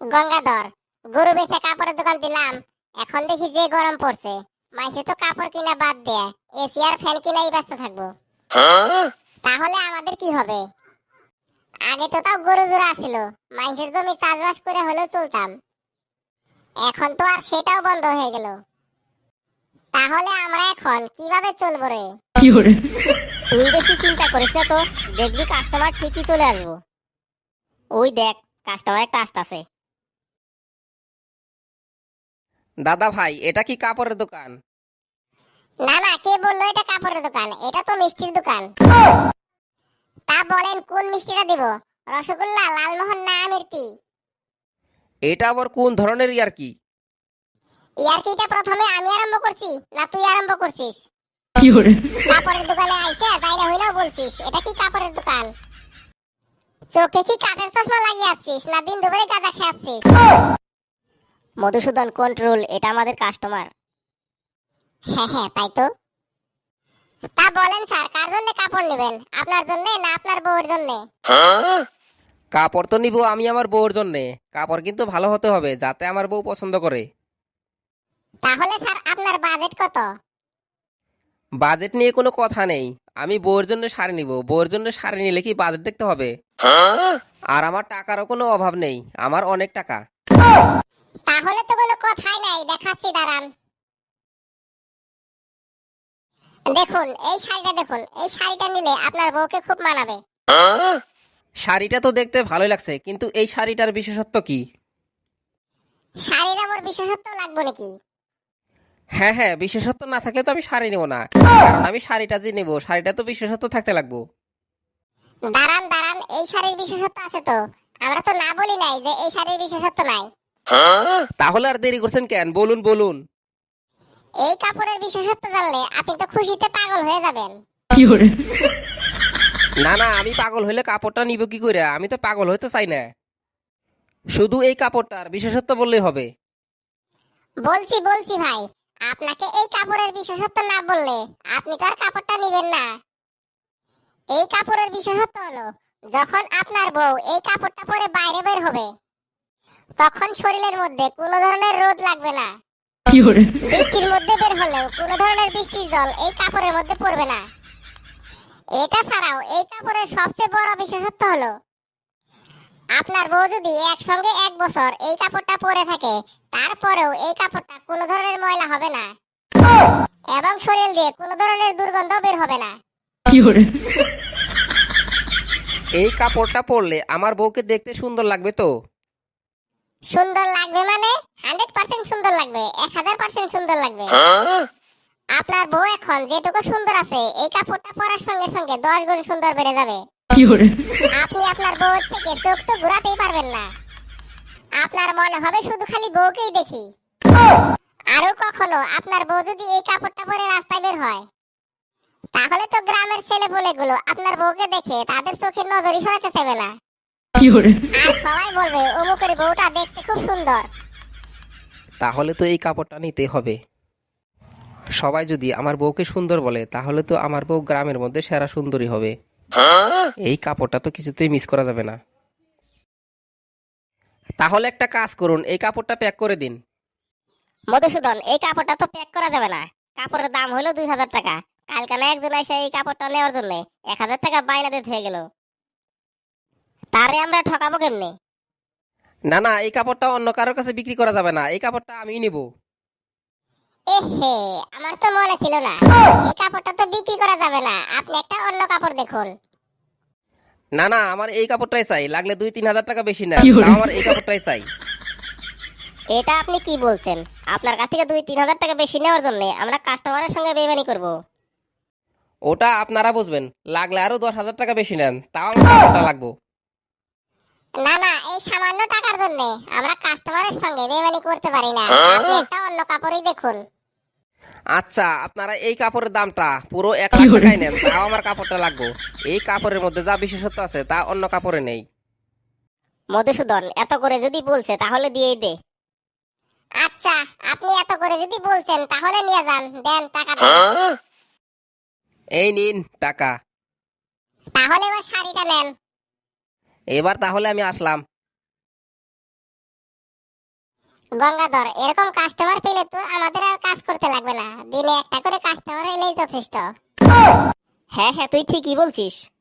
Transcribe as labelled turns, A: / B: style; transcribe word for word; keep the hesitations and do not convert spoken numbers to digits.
A: গঙ্গাধর, গরু বেচে কাপড়ের দোকান দিলাম। এখন দেখি যে গরম পড়ছে, মানুষে তো কাপড় কিনা বাদ দেয়, এসি আর ফ্যান কিনাই ব্যস্ত থাকবো। তাহলে আমাদের কি হবে? আগে তো তাও গরু জোড়া ছিল, মানুষের জমি চাষবাস করে হলেও চলতাম। এখন তো আর সেটাও বন্ধ হয়ে গেল। তাহলে আমরা এখন কিভাবে চলবো রে?
B: তুই বেশি চিন্তা করিস না তো, দেখবি কাস্টমার ঠিকই চলে আসবো। ওই দেখ, কাস্টমার একটা আসতেছে।
C: দাদা ভাই, এটা কি কাপড়ের দোকান?
A: না না, কে বললো এটা কাপড়ের দোকান? এটা তো মিষ্টির দোকান। তা বলেন কোন মিষ্টিটা দিব? রসগোল্লা, লালমোহন না আমিরতি?
C: এটা আবার কোন ধরনের ইয়ার কি?
A: ইয়ার্কিটা প্রথমে আমি আরম্ভ করছি না তুই আরম্ভ করছিস? কাপড়ের দোকানে আইসা যাইরা হইনাও বলছিস এটা কি কাপড়ের দোকান? চোখে কি কাঠের চশমা লাগিয়ে আসছিস না দিন দুপুরে গাঁজা খেয়ে আসছিস?
B: মধুসূদন কন্ট্রোল, এটা আমাদের কাস্টমার।
A: হ্যাঁ হ্যাঁ, তাই তো। তা বলেন স্যার, কার জন্য কাপড় নেবেন? আপনার জন্য না আপনার বউয়ের জন্য?
C: কাপড় তো নিব আমি আমার বউর জন্যে। কাপড় কিন্তু ভালো হতে হবে, যাতে আমার বউ পছন্দ করে।
A: তাহলে স্যার আপনার বাজেট কত?
C: বাজেট নিয়ে কোনো কথা নেই। আমি বউর জন্য শাড়ি নিব, বউর জন্য শাড়ি নিলে কি বাজেট দেখতে হবে? আর আমার টাকারও কোনো অভাব নেই, আমার অনেক টাকা।
A: তাহলে তো কোনো কথাই নাই, দেখাচ্ছি দাঁড়ান। দেখুন এই শাড়িটা, দেখুন এই শাড়িটা নিলে আপনার বউকে খুব মানাবে।
C: শাড়িটা তো দেখতে ভালোই লাগছে, কিন্তু এই শাড়িটার বিশেষত্ব কি?
A: শাড়ির আবার বিশেষত্ব লাগবে নাকি?
C: হ্যাঁ হ্যাঁ, বিশেষত্ব না থাকলে তো আমি শাড়ি নেবো না, কারণ আমি শাড়িটা যে নেবো শাড়িটা তো বিশেষত্ব থাকতে লাগবো।
A: দাঁড়ান দাঁড়ান, এই শাড়ির বিশেষত্ব আছে তো? আমরা তো না বলি নাই যে এই শাড়ির বিশেষত্ব নাই।
C: তাহলে আর দেরি করছেন কেন, বলুন বলুন।
A: এই কাপড়ের বিশেষত্ব জানলে আপনি তো খুশিতে পাগল হয়ে যাবেন।
C: না না, আমি পাগল হইলে কাপড়টা নিব কি করে? আমি তো পাগল হইতে চাই না। শুধু এই কাপড়টার বিশেষত্ব বললেই হবে।
A: বলছি বলছি ভাই, আপনাকে এই কাপড়ের বিশেষত্ব না বললে আপনি তো আর কাপড়টা নেবেন না। এই কাপড়ের বিশেষত্ব হলো, যখন আপনার বউ এই কাপড়টা পরে বাইরে বের হবে, তখন শরীরের মধ্যে কোনো ধরনের রোদ লাগবে না। বৃষ্টির মধ্যে বের হলেও কোনো ধরনের বৃষ্টির জল এই কাপড়ের মধ্যে পড়বে না। এটা ছাড়াও এই কাপড়ের সবচেয়ে বড় বিশেষত্ব হলো, আপনার বউ যদি একসঙ্গে এক বছর এই কাপড়টা পরে থাকে, তারপরেও এই কাপড়টা কোনো ধরনের ময়লা হবে না এবং শরীর দিয়ে কোনো ধরনের দুর্গন্ধ বের হবে না।
C: এই কাপড়টা পরলে আমার বউকে দেখতে সুন্দর লাগবে তো?
A: সুন্দর লাগবে মানে হান্ড্রেড পার্সেন্ট সুন্দর লাগবে, এক হাজার পার্সেন্ট সুন্দর লাগবে। আপনার বউ এখন যেটুকু সুন্দর আছে, এই কাপড়টা পরার সঙ্গে সঙ্গে দশ গুণ সুন্দর বেড়ে যাবে। আপনি আপনার বউয়ের থেকে চোখ তো ঘুরাতেই পারবেন না। আপনার মনে হবে শুধু খালি বউকেই দেখি। আরো কখনো আপনার বউ যদি এই কাপড়টা পরে রাস্তায় বের হয়, তাহলে তো গ্রামের ছেলেপুলেগুলো আপনার বউকে দেখে তাদের চোখের নজরই সরাতে চাইবে না। আর সবাই বলবে অমুকের বউটা দেখতে খুব সুন্দর।
C: তাহলে তো এই কাপড়টা নিতে হবে। সবাই যদি আমার বউকে সুন্দর বলে, তাহলে তো আমার বউ গ্রামের মধ্যে সেরা সুন্দরী হবে। এই কাপড়টা তো কিছুতেই মিস করা যাবে না। তাহলে একটা কাজ করুন, এই কাপড়টা প্যাক করে দিন।
B: মধুসূদন, এই কাপড়টা তো প্যাক করা যাবে না। কাপড়ের দাম হলো দুই হাজার টাকা। কালকে না একজন এসে এই কাপড়টা নেওয়ার জন্য এক হাজার টাকা বাইনা দিতে হয়ে গেল। তারে আমরা ঠকাবো কেমনি?
C: না না, এই কাপড়টা অন্য কারোর কাছে বিক্রি করা যাবে না, এই কাপড়টা আমিই নিব।
A: এহে, আমার তো মনে ছিল না। এই কাপড়টা তো বিক্রি করা যাবে না, আপনি একটা অন্য কাপড় দেখুন।
C: না না, আমার এই কাপড়টাই চাই, লাগলে দুই তিন হাজার টাকা বেশি নেন, তাও আমার এই কাপড়টাই চাই।
B: এটা আপনি কি বলছেন? আপনার কাছ থেকে দুই তিন হাজার টাকা বেশি নেওয়ার জন্য আমরা কাস্টমারের সঙ্গে বেইমানি করব?
C: ওটা আপনারা বুঝবেন, লাগলে আরো দশ হাজার টাকা বেশি নেন, তাও আমার কাপড়টা লাগবো।
A: না না, এই সামান্য টাকার জন্য আমরা কাস্টমারের সঙ্গে বেইমানি করতে পারি না। আপনি একটা অন্য কাপড়ই দেখুন।
C: আচ্ছা, আপনারা এই কাপড়ের দামটা পুরো এক লাখ টাকাই নেন, তাও আমার কাপড়টা লাগবো। এই কাপড়ের মধ্যে যা বিশেষত্ব আছে তা অন্য কাপড়ে নেই।
B: মধুসূদন, এত করে যদি বলছে তাহলে দিয়েই দে।
A: আচ্ছা, আপনি এত করে যদি বলছেন তাহলে নিয়ে যান, দেন টাকা দেন।
C: এই নিন টাকা।
A: তাহলে এবার শাড়িটা নেন।
C: এবার তাহলে আমি আসলাম।
A: গঙ্গাধর, এরকম কাস্টমার পেলে তো আমাদের আর কাজ করতে লাগবে না, দিনে একটা করে কাস্টমার এলেই যথেষ্ট।
B: হ্যাঁ হ্যাঁ, তুই ঠিকই বলছিস।